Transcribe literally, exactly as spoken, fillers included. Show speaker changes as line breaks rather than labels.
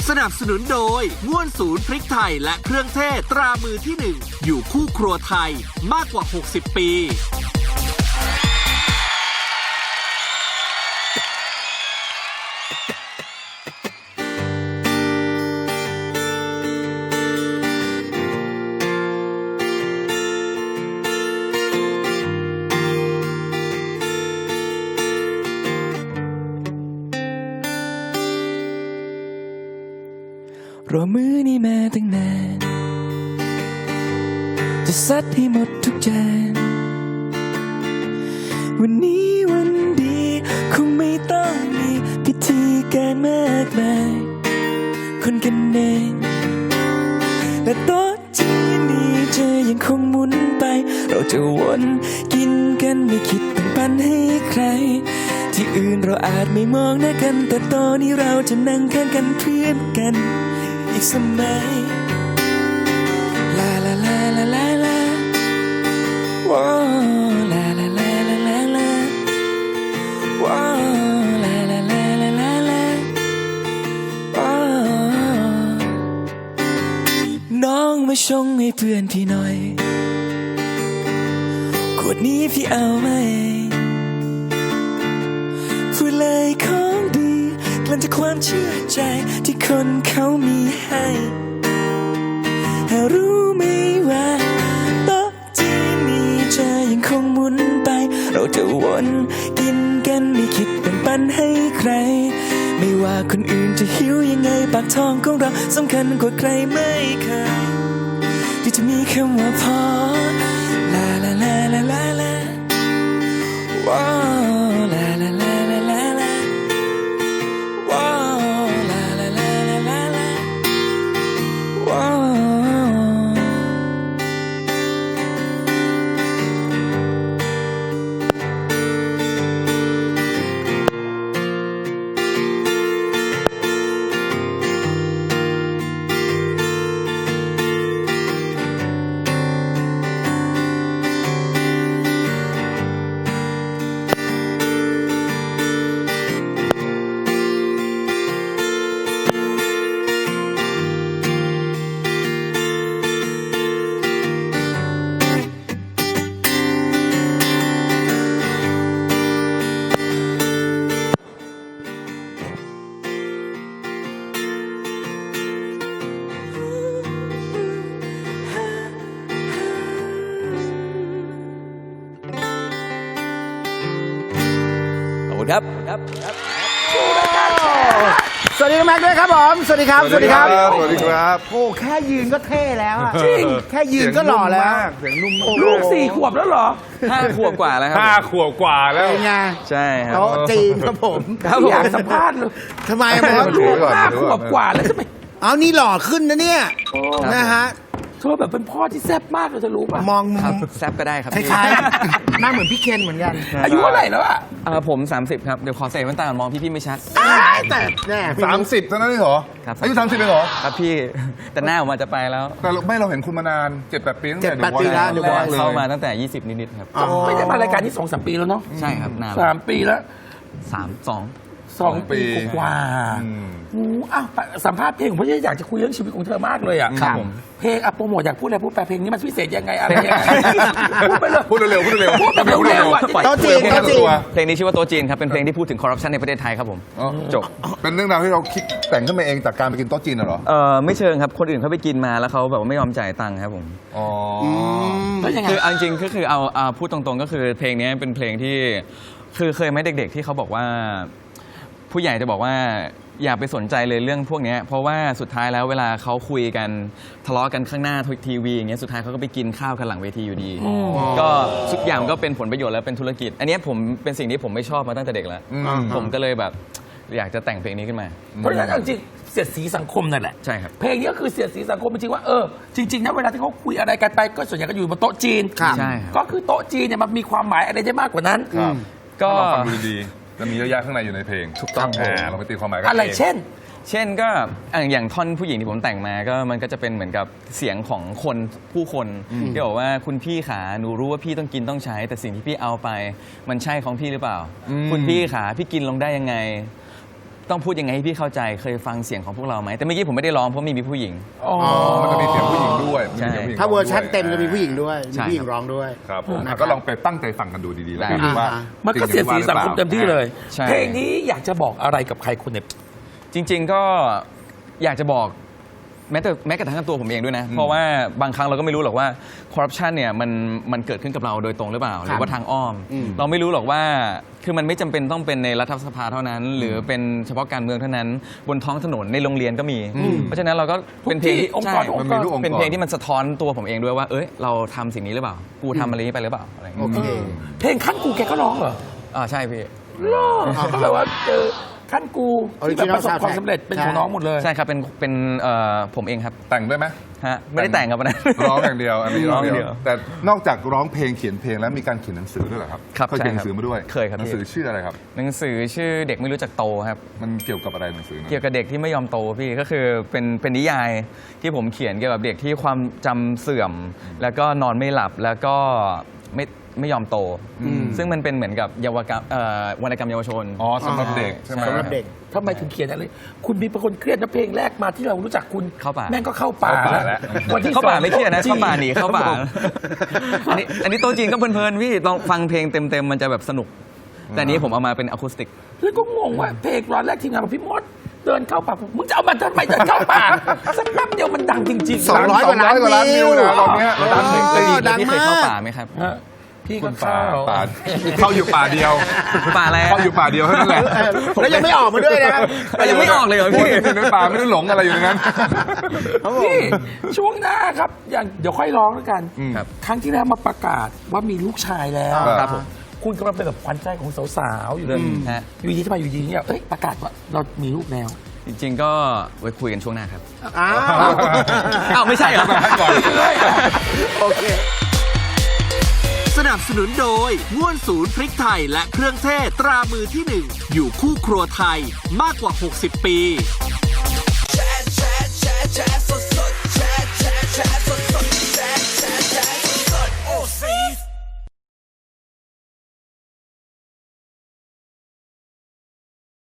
สนับสนุนโดยม่วนศูนย์พริกไทยและเครื่องเทศตรามือที่หนึ่งอยู่คู่ครัวไทยมากกว่าหกสิบปี
รอมื้อนี้มาตั้งนานจะซัดให้หมดทุกจานวันนี้วันดีคงไม่ต้องมีพิธีการมากมายคนกันเองและโต๊ะที่นี้จะยังคงหมุนไปเราจะวนกินกันไม่คิดแบ่งปันให้ใครที่อื่นเราอาจไม่มองหน้ากันแต่ตอนนี้เราจะนั่งข้างกันเพื่อนกันอีกสมัยลาลาลาลาลาลาว้าวลาลาลาลาลาลาว้าวลาลาลาลาลาลาว้าวน้องมาชงให้เพื่อนพี่หน่อยขวดนี้พี่เอามาเองพูดเลยของดีกลั่นจากความเชื่อใจที่คนเขามีให้หารู้ไหมว่าโต๊ะที่นี้จะยังคงหมุนไปเราจะวนกินกันไม่คิดแบ่งปันให้ใครไม่ว่าคนอื่นจะหิวยังไงปากท้องของเราสำคัญกว่าใครไม่เคยที่จะมีคำว่าพอลาลาลาลาลาลาว้าวลาลาลาลาลาลาว้าวลาลาลาลาลาลาว้าวครับ
สวัสดีแม็กด้วยครับผมสวัสดีครับสวัสดีครับ
สวัสดีครับ
โอ้แค่ยืนก็เท่แล้วอะจริงแค่ยืนก็หล่อแล้ว
เสียงนุ่มมาก
ลูกสี่ขวบแล้วเหรอ
ห้าขวบกว่าแล้วครั
ห้าขวบกว่าแล้ว
เป็นไง
ใช่ครับ
โต๊ะจีนครับผม
ครับอยากสัมภาษณ์เลย
ทำไมมอส
ดูก่อน
ห้า
ดู
ข
ก่
ว
อน
บกว่าแล้วใช่ไหม
เอานี่หล่อขึ้นนะเนี่ยนะฮะ
เธอแบบเป็นพ่อที่แซ่บมากเลยเธอรู้ป่ะ
มองมุ
ครับ
ม
แซบก็ได้ครับ
คล้ายๆหน้าเหมือนพี่เคนเหมือนกัน
อายุเท่าไหร่แล้วอ่ะ
อ่าผมสามสิบครับเดี๋ยวขอใส่แว่นตาก่อนมองพี่ๆไม่ชัด
แต่แน่
สามสิบเท่านั้นเองเหรอ
ครับ
อายุสามสิบเองเหรอ
ครับพี่ แต่หน้าผมอาจจะไปแล้ว
แต่เราไม่เราเห็นคุณมานานเจ็ดแปดปีตั้งแต่
เจ็ดแปดปีแล้ว
เดี๋ยววันเลย
เข้ามาตั้งแต่ยี่สิบนิดๆครับ
ไม่ได้มารายการนี้สองสามปีแล้วเนาะ
ใช่ครับนาน
สามปีแล้ว
สามสอง
สองปีกว่า
อืม
โอ้อ้าวสัมภาษณ์เพลงผมอยากจะคุยเรื่องชีวิตของเธอมากเลยอ่ะ
ครับผม
เพลงอะโปรโมทอยากพูดอะไรพูดไปเพลงนี้มันพิเศษยังไงอะไรยังไงพูดไปเลย
พูดเร็วๆพูดเร็วๆ
พูดแบบเร็วๆอ่ะ
โต๊ะจีนโต๊ะจีน
เพลงนี้ชื่อว่าโต๊ะจีนครับเป็นเพลงที่พูดถึงคอร์รัปชันในประเทศไทยครับผม
อ๋อ
จบ
เป็นเรื่องราวที่เราคิดแต่งขึ้นมาเองจากการไปกินโต๊ะจีนน่ะเหรอ
เออไม่เชิงครับคนอื่นเขาไปกินมาแล้วเขาแบบว่าไม่ยอมจ่ายตังค์ครับผม
อ๋อ
แล้วยังไง
คือเอาจริงๆก็คือเอาเอาพูดตรงๆก็คือเพลงนี้เป็นเพลงที่คือเคยไหมเด็กๆที่เขาบอกว่า ผู้ใหญ่จะบอกว่าอย่าไปสนใจเลยเรื่องพวกนี้เพราะว่าสุดท้ายแล้วเวลาเขาคุยกันทะเลาะกันข้างหน้าทีวีอย่างเงี้ยสุดท้ายเขาก็ไปกินข้าวกันหลังเวทีอยู่ดี ก็ทุกอย่างก็เป็นผลประโยชน์แล้วเป็นธุรกิจ อันนี้ผมเป็นสิ่งที่ผมไม่ชอบมาตั้งแต่เด็กแล้ว
อืม
ผมก็เลยแบบอยากจะแต่งเพลงนี้ขึ้นมา
เพราะฉะนั้นเอาจริงเสียดสีสังคมนั่นแหละ
ใช่ครับ
เพลงนี้ก็คือเสียดสีสังคมจริงๆว่าเออจริงๆนะเวลาที่เขาคุยอะไรกันไปก็ส่วนใหญ่ก็อยู่บนโต๊ะจีน
ครับ
ใช่ครับ
ก็คือโต๊ะจีนเนี่ยมันมีความหมายอะไรได้มากกว่านั้น
ครับ
ก็
ลองฟังดูดีๆจะมีเยอะแยะข้างในอยู่ในเพลง
ถูกต้อง
อ่าเราไปตีความหมายกัน
อะไร
ง
เช่น
เช่นก็อ่ะอย่างท่อนผู้หญิงที่ผมแต่งมาก็มันก็จะเป็นเหมือนกับเสียงของคนผู้คนที่บอกว่าคุณพี่ขาหนูรู้ว่าพี่ต้องกินต้องใช้ แต่สิ่งที่พี่เอาไปมันใช่ของพี่หรือเปล่า คุณพี่ขาพี่กินลงได้ยังไง
ต้องพูดยังไงให้พี่เข้าใจเคยฟังเสียงของพวกเราไหมแต่เมื่อกี้ผมไม่ได้ร้องเพราะมีมีผู้หญิง
อ๋อ
มันจะมีเสียงผู้หญิงด้วยมันจะมีเสียงผู้หญิง
ถ้าเวอร์ชันเต็ม
ด้วย
จะมีผู้หญิงด้วย
ใช่
มีผู้หญิงร้องด้วย
ครับผม
นะครับ
ก็ลองไปตั้งใจฟังกันดูดีๆแล้วกัน
ได้
ว่า
มันก็เสียดสีสังคมเต็มที่เลย
ใช่
เพลงนี้อยากจะบอกอะไรกับใครคนเนี่ย
จริง ๆก็อยากจะบอกแม้แต่แม้กระทั่งตัวผมเองด้วยนะ เพราะว่าบางครั้งเราก็ไม่รู้หรอกว่าคอร์รัปชันเนี่ยมันมันเกิดขึ้นกับเราโดยตรงหรือเปล่า หรือว่าทางอ้อม เราไม่รู้หรอกว่าคือมันไม่จำเป็นต้องเป็นในรัฐสภาเท่านั้น หรือเป็นเฉพาะการเมืองเท่านั้น บนท้องถนนในโรงเรียนก็มี เพราะฉะนั้นเราก็เป็นเพลงที่
องค์
ใช่
กรองค์กร
มันมีทุกองค์กร
เป็นเพลงที่มันสะท้อนตัวผมเองด้วยว่าเอ้ยเราทำสิ่งนี้หรือเปล่ากูทำอะไรนี้ไปหรือเปล่าอะไรอย่าง
โอ
เงี้ย
เค
เพลงขั้นกูแกก็ร้องเหรอ
อ่าใช่พี่
ก็แปลว่าเจอขั้นกูที่แบบประสบ
Original
ความสำเร็จเป็นของน้องหมดเลย
ใช่ครับเป็นเป็นเอ่อผมเองครับ
แต่งด้วยไหม
ฮะไม่ได้แต่งครับวันนั้น
ร้องอย่างเดียวอันนี้ร้องอย่าง
ร้องอย่างเดี
เดี
ย
ยว วแต่นอกจากร้องเพลงเขียนเพลงแล้วมีการเขียนหนังสือด้วยเหรอครับ
ครับ
เคยเขียนห
ใช่
นังสือมาด้วย
เคยครับ
หนังสือชื่ออะไรครับ
หนังสือชื่อเด็กไม่รู้จักโตครับ
มันเกี่ยวกับอะไรหนังสือนั้น
เกี่ยวกับเด็กที่ไม่ยอมโตพี่ก็คือเป็นเป็นนิยายที่ผมเขียนเกี่ยวกับเด็กที่ความจำเสื่อม แล้วก็นอนไม่หลับแล้วก็ไม่ไม่ยอมโต ซึ่งมันเป็นเหมือนกับเยาวกรรมเอ่อวรรณกรรมเยาวชน
อ๋อสำหรับเด็กใช่ไหม
สำหรับเด็ก
ทำไมถึงเขียนอะไร คุณมีเป็นคนเครียดนะเพลงแรกมาที่เรารู้จักคุณ
เข้าป่า
แม่งก็เข้าป่า
เข้าป่าแล้ว
วันที่
เข้าป่าไม่เครียดนะ
จริง
เข้าป่าหนีเข้าป่าอันนี้อันนี้โตจริงก็เพลินๆพี่ลองฟังเพลงเต็มๆมันจะแบบสนุก แต่อันนี้ผมเอามาเป็นอะคูสติก
แล้วก็งงว่าเพลงร้อนแรกทีมงานบอกพี่มดเดินเข้าป่ามึงจะเอามันทำไมเดินเข้าป่าสักแป๊บเดียวมันดังจริงๆ
สองร้อยกว่าล้าน
สองร้อยกว่าล้านวิวนะตอนเนี้ย
แล้วพี่
เออ
แล้วพี่
ดังมาก
เคยเข้าป่าไหมครับ
ฮะพี่
คุ
ก็
ณป่า
เข้า
ป่าเข้าอยู่ป่าเดียว
ป่าอะไร
เข้าอยู่ป่าเดียวเท่านั้นแหละ
แล้วยังไม่ออกมาด้วยนะ
ยังไม่ออกเลยเหรอ
พี่
พี่
ในป่าไม่ได้หลงอะไรอยู่ในนั้น
นี่ช่วงหน้าครับอย่างเดี๋ยวค่อยร้องแล้วกัน
ครับ
ครั้งที่แล้วมาประกาศว่ามีลูกชายแล้ว
ครับผม
คุณกำลังเป็นแบบขวัญใจของสาวๆอยู่เลย
ฮะ
อยู่ดีทำไมอยู่ดีเนี่ยเอ้ยประกาศว่าเรามีลูกแล้ว
จริงๆก็ไว้คุยกันช่วงหน้าครับ
อ้าว
อ้าวไม่ใช่เหรอ
ก่อน
โอเค
สนับสนุนโดยง่วนศูนย์พริกไทยและเครื่องเทศตรามือที่หนึ่งอยู่คู่ครัวไทยมากกว่า หกสิบ ปี
chat, chat, chat, chat, so